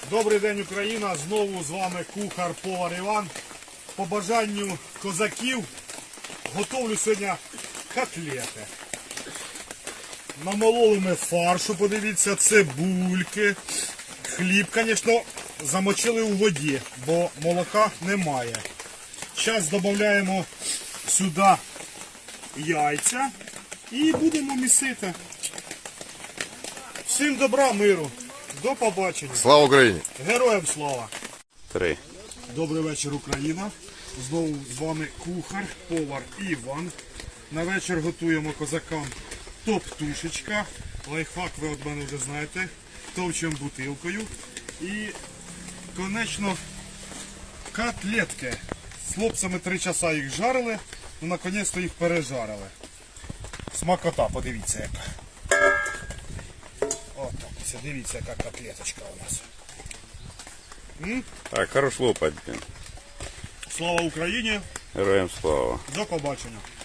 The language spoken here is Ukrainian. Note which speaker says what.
Speaker 1: Добрий день, Україна! Знову з вами кухар-повар Іван. По бажанню козаків готовлю сьогодні котлети. Намололи ми фаршу, подивіться, цибульки. Хліб, звісно, замочили у воді, бо молока немає. Зараз додаємо сюди яйця і будемо місити. Всім добра, миру. До побачення.
Speaker 2: Слава Україні!
Speaker 1: Героям слава!
Speaker 2: 3.
Speaker 1: Добрий вечір, Україна. Знову з вами кухар, повар Іван. На вечір готуємо козакам топ-тушечка. Лайфхак ви від мене вже знаєте. Товчемо бутилкою. І, конечно, котлетки. З хлопцями 3 часа їх жарили, ну, наконець-то їх пережарили. Смакота, подивіться яка. Отак, дивіться, яка котлеточка у нас.
Speaker 2: Так, хорош лопать, блін.
Speaker 1: Слава Україні!
Speaker 2: Героям слава.
Speaker 1: До побачення!